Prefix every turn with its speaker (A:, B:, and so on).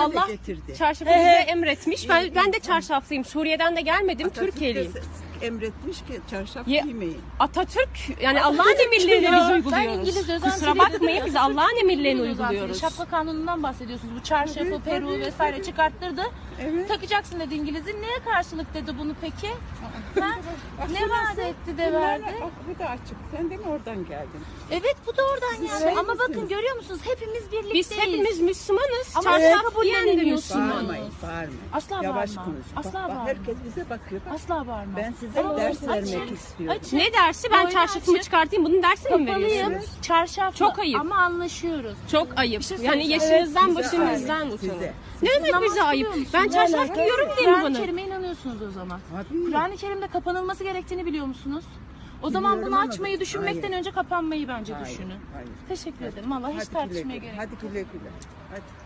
A: Allah
B: getirdi.
A: çarşafı bize emretmiş. Ben de çarşaflıyım. Suriye'den de gelmedim.
B: Atatürk
A: Türkiye'liyim.
B: emretmiş ki çarşaf
A: Ya-
B: giymeyin.
A: Atatürk yani Allah'ın emirlerini biz
C: Ben
A: uyguluyoruz.
C: İngiliz
A: Kusura bakmayın biz Allah'ın emirlerini uyguluyoruz.
C: Şapka kanunundan bahsediyorsunuz. Bu çarşafı,
B: Tabii,
C: peruğu
B: tabii,
C: vesaire
B: tabii.
C: çıkarttırdı.
B: Evet.
C: Takacaksın dedi İngiliz'in. Neye karşılık dedi bunu peki? Ha? Ne vaat etti de verdi?
B: Bak bu da açık. Sen de mi oradan geldin?
C: Evet bu da oradan yani.
B: şey
C: Ama bakın
B: misiniz?
C: görüyor musunuz? Hepimiz birlikteyiz.
A: Biz hepimiz Müslümanız.
C: Ama
A: Çarşaf giyen de
C: kabullenemiyorsunuz.
A: Müslüman.
B: Bağırmayın, bağırmayın.
C: Asla
B: Yavaş
C: bağırma.
B: konuş.
C: Asla
B: Bak,
C: bağırma.
B: herkes bize bakıyor. Bak,
C: Asla bağırma.
B: ben size ders vermek istiyorum.
C: Açın.
A: Ne dersi? Ben
C: Boynu
A: çarşafımı
C: açık.
A: çıkartayım. Bunun dersini mi
C: Kapalıyım.
A: veriyorsunuz?
C: Çarşaflı.
A: Çok ayıp.
C: Ama anlaşıyoruz.
A: Çok ayıp.
C: şey
A: Yani
C: söyleyeceğim.
A: yaşınızdan
B: Size
A: başınızdan
B: ayıp,
A: utanın.
B: size.
A: Ne demek
C: namaz
A: bize ayıp?
C: kılıyor
A: Ben
C: musunuz?
A: çarşaf giyiyorum değil mi
C: Kur'an-ı
A: bana?
C: Kerim'e inanıyorsunuz o zaman.
B: Tabii.
C: Kur'an-ı Kerim'de kapanılması gerektiğini biliyor musunuz? O zaman
B: Biliyorum
C: bunu
B: ama
C: açmayı düşünmekten
B: hayır.
C: önce kapanmayı bence
B: Hayır,
C: düşünün.
B: hayır.
C: Teşekkür ederim. Vallahi hiç
B: Hadi güle
C: tartışmaya
B: güle.
C: gerek yok.
B: Hadi güle güle. Hadi.